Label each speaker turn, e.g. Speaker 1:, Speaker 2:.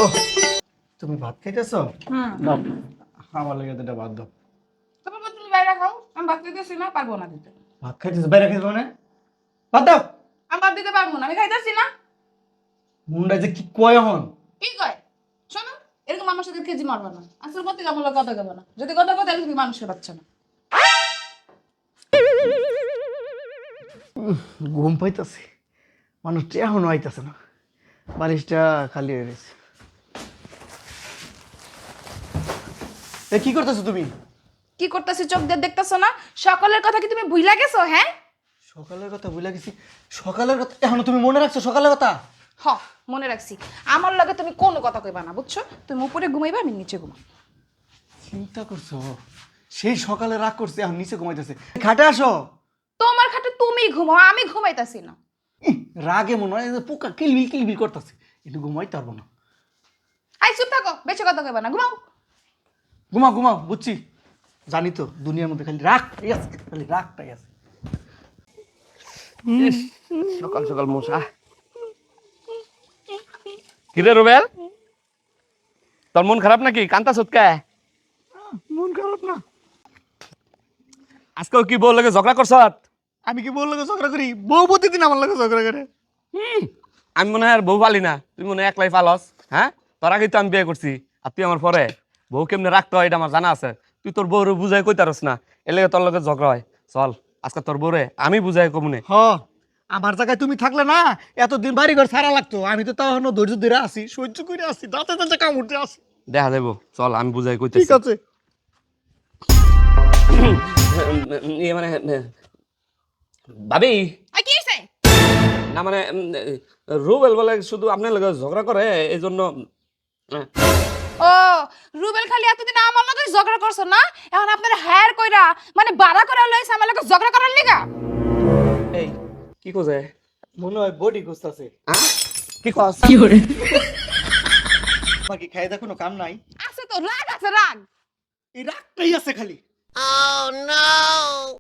Speaker 1: তুমি ভাত খাইতেছো?
Speaker 2: হুম
Speaker 1: দাও আমার লাগে দুটা ভাত দাও।
Speaker 2: তারপর তুমি বাইরে খাও, আমি ভাত দিতেছি না, পারবো না দিতে।
Speaker 1: ভাত খাইতেছো বাইরে খাইছো মানে? ভাত দাও।
Speaker 2: আমি ভাত দিতে পারবো না, আমি খাইতেছি না।
Speaker 1: মুন্ডা যে কি কয় এখন?
Speaker 2: কি কয়? শোনো, এরকম আমার সাথে খেজি মারবে না। আসল মতে আমার লগে কথা কবে না। যদি কথা কথা তাহলে তুমি মানুষের বাচ্চা না।
Speaker 1: ঘুম পাইতাছে, মানুষটা এখনো আইতাছে না, বালিশটা খালি হয়ে গেছে। এ কি করতেছো তুমি?
Speaker 2: কি করতেছি চোখ দিয়ে দেখতেছো না? সকলের কথা কি তুমি ভুইলা গেছো? হ্যাঁ,
Speaker 1: সকালের কথা ভুলে গেছি। সকালের কথা এখনো তুমি মনে রাখছো? সকালের কথা
Speaker 2: হ, মনে রাখছি। আমার লগে তুমি কোনো কথা কইবা না, বুঝছো? তুমি উপরে ঘুমাইবা, আমি নিচে ঘুমাবো।
Speaker 1: চিন্তা করছো? সেই সকালে রাগ করছে, এখন নিচে ঘুমাইতেছে। খাটে আসো।
Speaker 2: তোমার খাটে তুমি ঘুমাও, আমি ঘুমাইতাছি না।
Speaker 1: ইহ, রাগে মনে হয় যে পোকা কিলবিল কিলবিল করতেছে, একটু ঘুমাইতে পারবো না।
Speaker 2: আই চুপ থাকো, বেশি কথা কইবা না, ঘুমাও।
Speaker 1: ঘুমাও ঘুমাও, বুঝছি। জানি তো দুনিয়ার মধ্যে খালি রাগটাই আছে, খালি রাগটাই আছে।
Speaker 3: সকাল সকাল মশা। কিরে রুবেল, তোর মন খারাপ নাকি? কান্তা সুৎকা
Speaker 1: মন খারাপ না।
Speaker 3: আজকেও কি বউ লাগে ঝগড়া করছ?
Speaker 1: আমি কি বউ লাগে ঝগড়া করি? বউ প্রতিদিন আমার লাগে ঝগড়া করে।
Speaker 3: আমি মনে হয় আর বউ পালি না, তুই মনে হয় একলাই পালস। হ্যাঁ, তোর আগে তো আমি বিয়ে করছি, আর তুই আমার পরে। বউ কেমনে রাখতে হয় এটা আমার জানা আছে। তুই তোর বউরে বুঝাই কইতারস না, এর লেগে তোর লগে ঝগড়া হয়। চল আজকে তোর বউরে আমি বুঝাই কমুনে।
Speaker 1: হ, আমার জায়গায় তুমি থাকলে না এতদিন বাড়ি ঘর ছাড়া লাগতো। আমি তো তখনও ধৈর্য ধরে আছি, সহ্য করে আছি, দাঁতে দাঁতে কামড়তে আছি।
Speaker 3: দেখা যাবো, চল আমি বুঝাই
Speaker 1: ঠিক
Speaker 3: কইতেছি।
Speaker 1: আছে।
Speaker 3: ইয়ে মানে ভাবি,
Speaker 2: আই কি হইছে?
Speaker 3: না মানে রুবেল বলে শুধু আপনার লগে ঝগড়া করে এই জন্য।
Speaker 2: ও, রুবেল খালি এতদিন আমার লগে ঝগড়া করছো না, এখন আপনার হায়ার কইরা মানে বাড়া করে লইছে আমার লগে ঝগড়া করার লিগা।
Speaker 3: এই কি কোজে?
Speaker 1: মনে হয় বডি খুঁজতেছে।
Speaker 3: কি কস?
Speaker 1: বাকি খাই দেখো কোনো কাম নাই।
Speaker 2: আছে তো, রাগ আছে, রাগ।
Speaker 1: এই রাগটাই আছে খালি।